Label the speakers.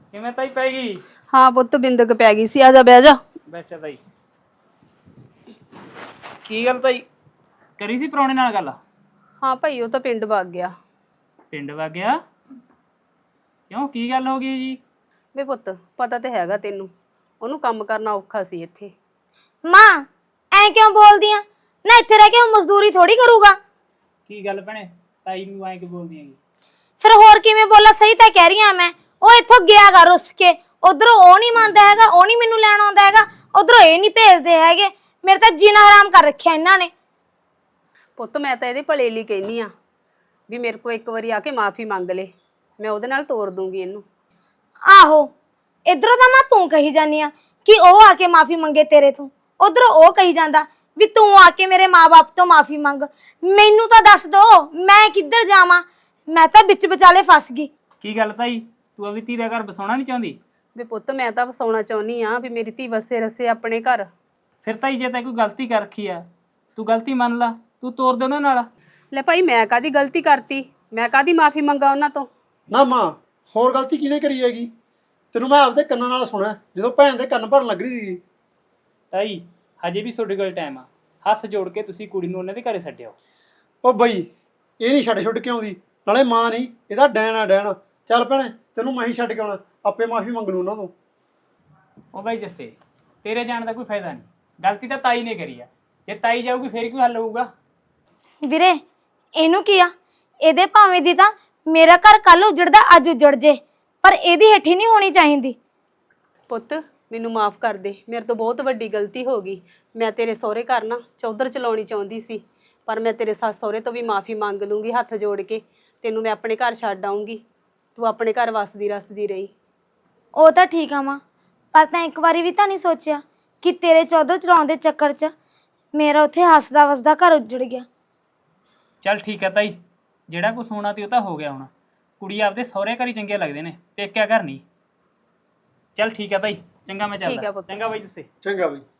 Speaker 1: ਕਿਵੇਂ ਤਾਈ ਪੈ ਗਈ?
Speaker 2: ਹਾਂ ਪੁੱਤ ਬਿੰਦਕ ਪੈ ਗਈ ਸੀ। ਆ ਜਾ ਬਹਿ ਜਾ।
Speaker 1: ਬੈਠਾ ਤਾਈ। ਕੀ ਗੱਲ ਤਾਈ, ਕਰੀ ਸੀ ਪ੍ਰਾਹੁਣੇ ਨਾਲ ਗੱਲ?
Speaker 2: ਹਾਂ ਭਾਈ ਉਹ ਤਾਂ ਪਿੰਡ ਵਗ ਗਿਆ।
Speaker 1: ਪਿੰਡ ਵਗ ਗਿਆ? ਕਿਉਂ, ਕੀ ਗੱਲ ਹੋ ਗਈ ਜੀ?
Speaker 2: ਵੇ ਪੁੱਤ ਪਤਾ ਤੇ ਹੈਗਾ ਤੈਨੂੰ, ਉਹਨੂੰ ਕੰਮ ਕਰਨਾ ਔਖਾ ਸੀ ਇੱਥੇ।
Speaker 3: ਮਾਂ ਐ ਕਿਉਂ ਬੋਲਦੀ ਆ? ਨਾ ਇੱਥੇ ਰਹਿ ਕੇ ਉਹ ਮਜ਼ਦੂਰੀ ਥੋੜੀ ਕਰੂਗਾ।
Speaker 1: ਕੀ ਗੱਲ ਭੈਣੇ, ਤਾਈ ਨੂੰ ਐਂ ਕਿ ਬੋਲਦੀ ਹੈਗੀ?
Speaker 3: ਫਿਰ ਹੋਰ ਕਿਵੇਂ ਬੋਲਾ? ਸਹੀ ਤਾਂ ਕਹਿ ਰਹੀ ਆ ਮੈਂ। ਉਹ ਇੱਥੋਂ ਗਿਆਗਾ ਰੁੱਸ ਕੇ। ਉਧਰੋਂ ਉਹ ਨਹੀਂ ਮੰਨਦਾ ਹੈਗਾ, ਉਹ ਨਹੀਂ ਮੈਨੂੰ ਲੈਣ ਆਉਂਦਾ ਹੈਗਾ, ਉਧਰੋਂ ਇਹ ਨਹੀਂ ਭੇਜਦੇ ਹੈਗੇ। ਮੇਰੇ ਤਾਂ ਜੀਣਾ ਹਰਾਮ ਕਰ ਰੱਖਿਆ ਇਹਨਾਂ ਨੇ।
Speaker 2: ਪੁੱਤ ਮੈਂ ਤਾਂ ਇਹਦੇ ਭਲੇ ਲਈ ਕਹਿਨੀ ਆ ਵੀ ਮੇਰੇ ਕੋਲ ਇੱਕ ਵਾਰੀ ਆ ਕੇ ਮਾਫੀ ਮੰਗ ਲੇ, ਮੈਂ ਉਹਦੇ ਨਾਲ ਤੋਰ ਦੂੰਗੀ ਇਹਨੂੰ।
Speaker 3: ਆਹੋ, ਇਧਰੋਂ ਤਾਂ ਮੈਂ ਤੂੰ ਕਹੀ ਜਾਨੀ ਆ ਕਿ ਉਹ ਆ ਕੇ ਮਾਫੀ ਮੰਗੇ ਤੇਰੇ ਤੋਂ, ਉਧਰੋਂ ਉਹ ਕਹੀ ਜਾਂਦਾ ਵੀ ਤੂੰ ਆ ਕੇ ਮੇਰੇ ਮਾਂ-ਬਾਪ ਤੋਂ ਮਾਫੀ ਮੰਗ। ਮੈਨੂੰ ਤਾਂ ਦੱਸ ਦੋ ਮੈਂ ਕਿੱਧਰ ਜਾਵਾਂ? ਮੈਂ ਤਾਂ ਵਿੱਚ ਵਿਚਾਲੇ ਫਸ ਗਈ।
Speaker 1: ਕੀ ਗੱਲ ਤਾਈ, ਤੂੰ ਆਪਣੀ ਧੀ ਦਾ ਘਰ ਬਸਾਉਣਾ ਨਹੀਂ ਚਾਹੁੰਦੀ?
Speaker 2: ਵੀ ਪੁੱਤ ਮੈਂ ਤਾਂ ਵਸਾਉਣਾ ਚਾਹੁੰਦੀ ਆ ਵੀ ਮੇਰੀ ਧੀ ਵਸੇ ਰਸੇ ਆਪਣੇ ਘਰ।
Speaker 1: ਫਿਰ ਤਾਈ ਜੇ ਤੈਂ ਕੋਈ ਗਲਤੀ ਕਰ ਰੱਖੀ ਆ, ਤੂੰ ਗਲਤੀ ਮੰਨ ਲਾ, ਤੂੰ ਤੋਰ ਦੇ ਉਹਨਾਂ ਨਾਲ।
Speaker 2: ਲੈ ਭਾਈ ਮੈਂ ਕਾਦੀ ਗਲਤੀ ਕਰਤੀ? ਮੈਂ ਕਾਦੀ ਮਾਫੀ ਮੰਗਾ ਉਹਨਾਂ ਤੋਂ?
Speaker 4: ਨਾ ਮਾਂ, ਹੋਰ ਗਲਤੀ ਕਿਹਨੇ ਕਰੀ ਹੈਗੀ? ਤੈਨੂੰ ਮੈਂ ਆਪਦੇ ਕੰਨਾਂ ਨਾਲ ਸੁਣਿਆ ਜਦੋਂ ਭੈਣ ਦੇ ਕੰਨ ਭਰਨ ਲੱਗ ਰਹੀ ਸੀ।
Speaker 1: ਤਾਈ ਹਜੇ ਵੀ ਤੁਹਾਡੇ ਕੋਲ ਟਾਈਮ ਆ, ਹੱਥ ਜੋੜ ਕੇ ਤੁਸੀਂ ਕੁੜੀ ਨੂੰ ਉਹਨਾਂ ਦੇ ਘਰੇ ਛੱਡਿਓ।
Speaker 4: ਉਹ ਬਈ ਇਹ ਨਹੀਂ ਛੱਡ ਕੇ ਆਉਂਦੀ, ਨਾਲੇ ਮਾਂ ਨਹੀਂ ਇਹਦਾ ਡੈਣ ਆ ਡੈਣ। ਚੱਲ ਭੈਣੇ ਤੈਨੂੰ ਮੈਂ ਹੀ ਛੱਡ ਕੇ ਆਉਣਾ, ਆਪੇ ਮਾਫੀ ਮੰਗ ਲੂ ਉਹਨਾਂ ਤੋਂ।
Speaker 1: ਉਹ ਬਾਈ ਜੱਸੇ, ਤੇਰੇ ਜਾਣ ਦਾ ਕੋਈ ਫਾਇਦਾ ਨਹੀਂ, ਗਲਤੀ ਤਾਂ ਤਾਈ ਨੇ ਕਰੀ ਆ। ਜੇ ਤਾਈ ਜਾਊਗੀ ਫੇਰ ਕੀ ਹੱਲ ਹੋਊਗਾ?
Speaker 3: ਵੀਰੇ ਇਹਨੂੰ ਕੀ ਆ? ਇਹਦੇ ਭਾਵੇਂ ਦੀ ਤਾਂ ਮੇਰਾ ਘਰ ਕੱਲ ਉਜੜਦਾ ਅੱਜ ਉਜੜ ਜੇ, ਪਰ ਇਹਦੀ ਹੇਠੀ ਨਹੀਂ ਹੋਣੀ ਚਾਹੀਦੀ।
Speaker 2: ਪੁੱਤ ਮੈਨੂੰ ਮਾਫ ਕਰ ਦੇ, ਮੇਰੇ ਤੋਂ ਬਹੁਤ ਵੱਡੀ ਗਲਤੀ ਹੋ ਗਈ। ਮੈਂ ਤੇਰੇ ਸਹੁਰੇ ਘਰ ਨਾ ਚੌਧਰ ਚਲਾਉਣੀ ਚਾਹੁੰਦੀ ਸੀ, ਪਰ ਮੈਂ ਤੇਰੇ ਸੱਸ ਸਹੁਰੇ ਤੋਂ ਵੀ ਮਾਫੀ ਮੰਗ ਲੂੰਗੀ ਹੱਥ ਜੋੜ ਕੇ। ਤੈਨੂੰ ਮੈਂ ਆਪਣੇ ਘਰ ਛੱਡ ਆਉਂਗੀ, ਤੂੰ ਆਪਣੇ ਘਰ ਵਸਦੀ ਰਸਦੀ ਰਹੀ।
Speaker 3: ਉਹ ਤਾਂ ਠੀਕ ਆ ਮਾਂ, ਪਰ ਤਾਂ ਇੱਕ ਵਾਰੀ ਵੀ ਤਾਂ ਨਹੀਂ ਸੋਚਿਆ ਕਿ ਤੇਰੇ ਚੌਧਰ ਚਲਾਉਣ ਦੇ ਚੱਕਰ 'ਚ ਮੇਰਾ ਉੱਥੇ ਹੱਸਦਾ ਵਸਦਾ ਘਰ ਉੱਜੜ ਗਿਆ।
Speaker 1: ਚੱਲ ਠੀਕ ਹੈ ਤਾਈ, ਜਿਹੜਾ ਕੁਛ ਹੋਣਾ ਤੇ ਉਹ ਤਾਂ ਹੋ ਗਿਆ ਹੁਣ। ਕੁੜੀ ਆਪਦੇ ਸਹੁਰੇ ਘਰ ਹੀ ਚੰਗੇ ਲੱਗਦੇ ਨੇ, ਪੇਕਿਆ ਘਰ ਨਹੀਂ। ਚੱਲ ਠੀਕ ਹੈ ਤਾਈ, ਚੰਗਾ ਮੈਂ
Speaker 2: ਠੀਕ ਆ
Speaker 1: ਚੱਲਦਾ।
Speaker 2: ਪੁੱਤ।
Speaker 1: ਚੰਗਾ ਬਾਈ ਜੱਸੇ।
Speaker 4: ਚੰਗਾ ਬਈ।